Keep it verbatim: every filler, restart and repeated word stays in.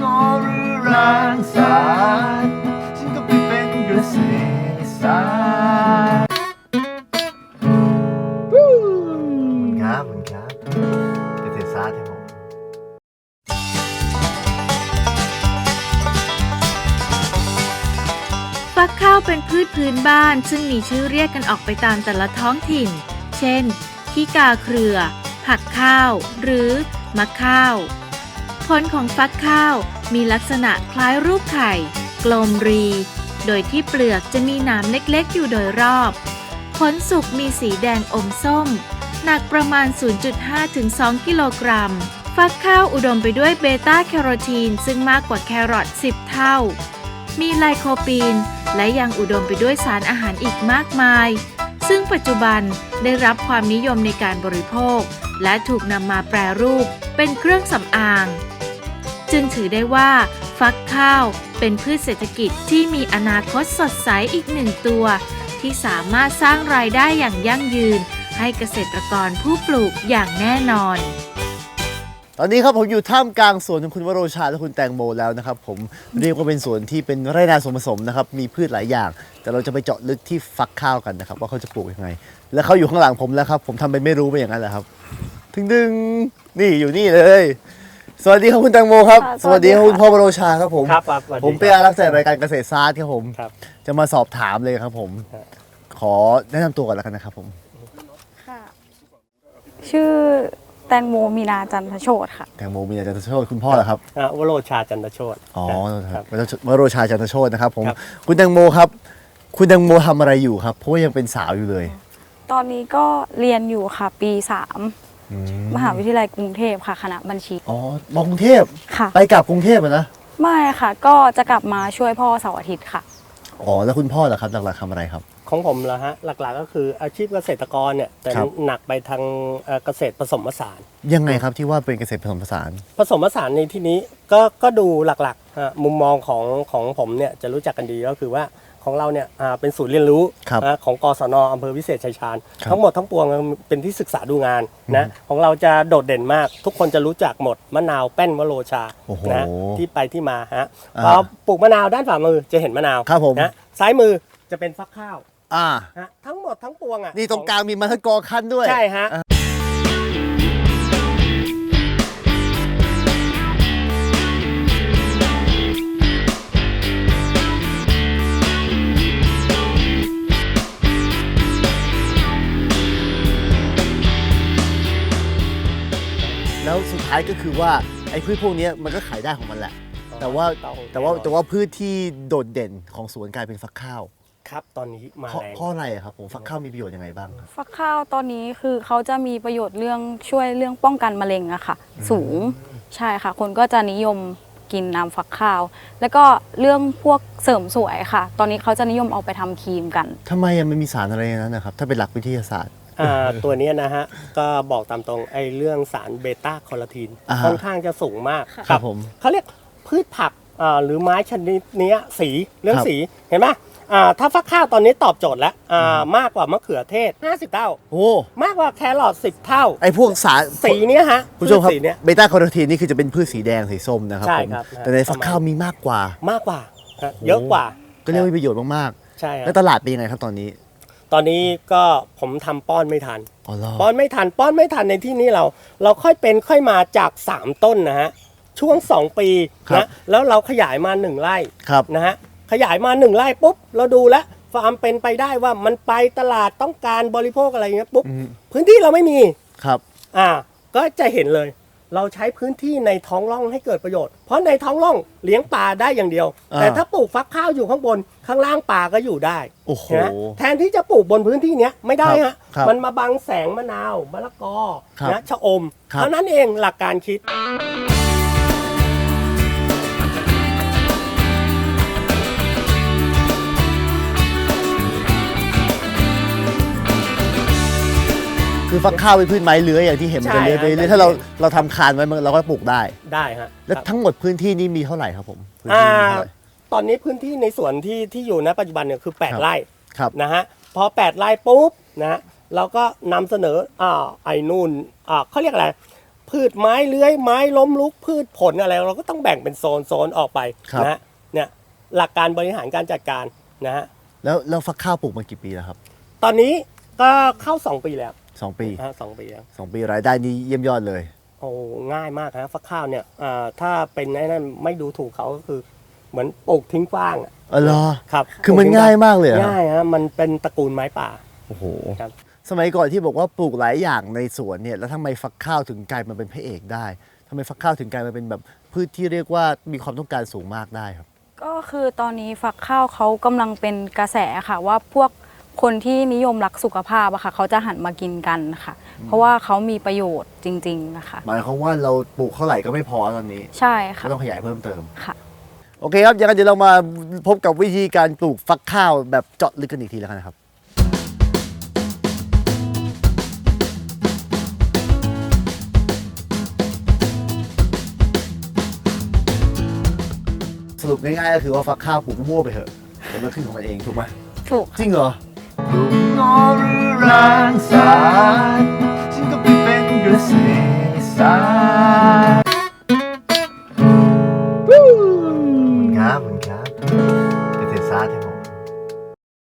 ก็รื้อรานสารฉันก็ไปเป็นเกษตรศาสตร์มันครับมันครับเกษตรศาสตร์ครับผมฟักข้าวเป็นพืชพื้นบ้านซึ่งมีชื่อเรียกกันออกไปตามแต่ละท้องถิ่นเช่นขี้กาเครือ ผักข้าว หรือมะข้าวผลของฟักข้าวมีลักษณะคล้ายรูปไข่กลมรีโดยที่เปลือกจะมีหนามเล็กๆอยู่โดยรอบผลสุกมีสีแดงอมส้มหนักประมาณ ศูนย์จุดห้าถึงสอง กิโลกรัมฟักข้าวอุดมไปด้วยเบต้าแคโรทีนซึ่งมากกว่าแครอทสิบเท่ามีไลโคปีนและยังอุดมไปด้วยสารอาหารอีกมากมายซึ่งปัจจุบันได้รับความนิยมในการบริโภคและถูกนำมาแปรรูปเป็นเครื่องสำอางจึงถือได้ว่าฟักข้าวเป็นพืชเศรษฐกิจที่มีอนาคตสดใสอีกหนึ่งตัวที่สามารถสร้างรายได้อย่างยั่งยืนให้เกษตรกรผู้ปลูกอย่างแน่นอนตอนนี้ครับผมอยู่ท่ามกลางสวนของคุณวโรชาและคุณแตงโมแล้วนะครับผมเรียกว่าเป็นสวนที่เป็นไร่นาสวนผสมนะครับมีพืชหลายอย่างแต่เราจะไปเจาะลึกที่ฟักข้าวกันนะครับว่าเขาจะปลูกยังไงและเขาอยู่ข้างหลังผมแล้วครับผมทำไปไม่รู้ไปอย่างนั้นแหละครับถึงดึงนี่อยู่นี่เลยสวัสดีครับคุณแตงโมครับสวัสดีครับคุณพ่อวโรชาครับผมครับผมเป็นอารักษ์จากรายการเกษตรศาสตร์ครับผมจะมาสอบถามเลยครับผมขอแนะนำตัวก่อนแล้วกันนะครับผมค่ะชื่อแตงโมมีนาจันทโชติค่ะแตงโมมีนาจันทโชติคุณพ่อเหรอครับวโรชาจันทโชติอ๋อครับวโรชาจันทโชตินะครับผมคุณแตงโมครับคุณแตงโมทำอะไรอยู่ครับเพราะว่ายังเป็นสาวอยู่เลยตอนนี้ก็เรียนอยู่ค่ะปีสามมหาวิทยาลัยกรุงเทพค่ะคณะบัญชีอ๋อมอกรุงเทพค่ะไปกลับกรุงเทพนะไม่ค่ะก็จะกลับมาช่วยพ่อเสาร์อาทิตย์ค่ะอ๋อแล้วคุณพ่อเหรอครับหลักๆทำอะไรครับของผมเหรอฮะหลักๆก็คืออาชีพเกษตรกรเนี่ยแต่หนักไปทางเกษตรผสมผสานยังไงครับที่ว่าเป็นเกษตรผสมผสานผสมผสานในที่นี้ก็ก็ดูหลักๆฮะมุมมองของของผมเนี่ยจะรู้จักกันดีก็คือว่าของเราเนี่ยเป็นศูนย์เรียนรู้ของกศน.อำเภอวิเศษชัยชาญทั้งหมดทั้งปวงเป็นที่ศึกษาดูงานนะของเราจะโดดเด่นมากทุกคนจะรู้จักหมดมะนาวแป้นวโรชานะที่ไปที่มาฮะพอปลูกมะนาวด้านฝ่ามือจะเห็นมะนาวนะซ้ายมือจะเป็นฟักข้าวอ่าทั้งหมดทั้งปวงอ่ะนี่ตรงกลางมีมะละกอขั้นด้วยใช่ฮะแล้วสุดท้ายก็คือว่าไอ้พืชพวกนี้มันก็ขายได้ของมันแหละแต่ว่าแต่ว่าแต่ว่าพืชที่โดดเด่นของสวนกลายเป็นฟักข้าวครับตอนนี้มาแรงเพราะอะไรครับผมฟักข้าวมีประโยชน์ยังไงบ้างฟักข้าวตอนนี้คือเขาจะมีประโยชน์เรื่องช่วยเรื่องป้องกันมะเร็งอะค่ะสูงใช่ค่ะคนก็จะนิยมกินน้ำฟักข้าวแล้วก็เรื่องพวกเสริมสวยค่ะตอนนี้เขาจะนิยมเอาไปทำครีมกันทำไมมันมีสารอะไรนั้นนะครับถ้าเป็นหลักวิทยาศาสตร์ตัวนี้นะฮะก็บอกตามตรงไอ้เรื่องสารเบต้าแคโรทีนค่อนข้างจะสูงมากครับผมเขาเรียกพืชผักหรือไม้ชนิดนี้สีเรื่องสีเห็นไหมถ้าฟักข้าวตอนนี้ตอบโจทย์แล้วมากกว่ามะเขือเทศห้าสิบเท่าโอ้มากกว่าแครอทสิบเท่าไอ้พวกสารสีนี้ฮะผู้ชมครับเบต้าแคโรทีนนี่คือจะเป็นพืชสีแดงสีส้มนะครับผมแต่ในฟักข้าวมีมากกว่ามากกว่าเยอะกว่าก็เรียกว่ามีประโยชน์มากๆใช่แล้วตลาดเป็นยังไงครับตอนนี้ตอนนี้ก็ผมทำป้อนไม่ทันป้อนไม่ทันป้อนไม่ทันในที่นี้เราเราค่อยเป็นค่อยมาจากสามต้นนะฮะช่วงสองปีนะแล้วเราขยายมาหนึ่งไร่นะฮะขยายมาหนึ่งไร่ปุ๊บเราดูแล้วฟาร์มเป็นไปได้ว่ามันไปตลาดต้องการบริโภคอะไรเงี้ยปุ๊บพื้นที่เราไม่มีครับอ่าก็จะเห็นเลยเราใช้พื้นที่ในท้องร่องให้เกิดประโยชน์เพราะในท้องร่องเลี้ยงปลาได้อย่างเดียวแต่ถ้าปลูกฟักข้าวอยู่ข้างบนข้างล่างปลาก็อยู่ได้นะแทนที่จะปลูกบนพื้นที่เนี้ยไม่ได้ฮะมันมาบังแสงมะนาวมะละกอนะชะอมเท่านั้นเองหลักการคิดคือฟักข้าวเป็นพืชไม้เลื้อยอย่างที่เห็นมันจะเลื้อยไปเรื่อยถ้าเราเราทำคานไว้เราก็ปลูกได้ได้ฮะแล้วทั้งหมดพื้นที่นี้มีเท่าไหร่ครับผมอ่าตอนนี้พื้นที่ในสวนที่ที่อยู่ณปัจจุบันเนี่ยคือแปดไร่นะฮะพอแปดไร่ปุ๊บนะเราก็นำเสนออ่าไอ้นู่นอ่าเขาเรียกอะไรพืชไม้เลื้อยไม้ล้มลุกพืชผลอะไรเราก็ต้องแบ่งเป็นโซนโซนออกไปนะฮะเนี่ยหลักการบริหารการจัดการนะฮะแล้วแล้วฟักข้าวปลูกมากี่ปีแล้วครับตอนนี้ก็เข้าสองปีแล้วสองปีฮะสองปีแล้วสองปีรายได้นี้เยี่ยมยอดเลยโอ้ง่ายมากฮะฟักข้าวเนี่ยอ่าถ้าเป็นไอ้นั่นไม่ดูถูกเขาก็คือเหมือนปลูกทิ้งกว้างอะอ๋อเหรอครับคือมันง่ายมากเลยเหรอง่ายฮะมันเป็นตระกูลไม้ป่าโอ้โหครับสมัยก่อนที่บอกว่าปลูกหลายอย่างในสวนเนี่ยแล้วทำไมฟักข้าวถึงกลายมาเป็นพระเอกได้ทำไมฟักข้าวถึงกลายมาเป็นแบบพืชที่เรียกว่ามีความต้องการสูงมากได้ครับก็คือตอนนี้ฝักข้าวเขากำลังเป็นกระแสค่ะว่าพวกคนที่นิยมรักสุขภาพอะค่ะเขาจะหันมากินกันค่ะ เพราะว่าเขามีประโยชน์จริงๆนะคะหมายความว่าเราปลูกเท่าไหร่ก็ไม่พอตอนนี้ใช่ค่ะก็ต้องขยายเพิ่มเติมค่ะโอเคครับอย่างนั้นเดี๋ยวเรามาพบกับวิธีการปลูกฟักข้าวแบบเจาะลึกกันอีกทีแล้วกันนะครับสรุปง่ายๆก็คือว่าฟักข้าวปลูกมั่วไปเถอะเดี๋ยวมันขึ้นของมันเองถูกไหมถูกจริงเหรอลุงนอหรือรางสาร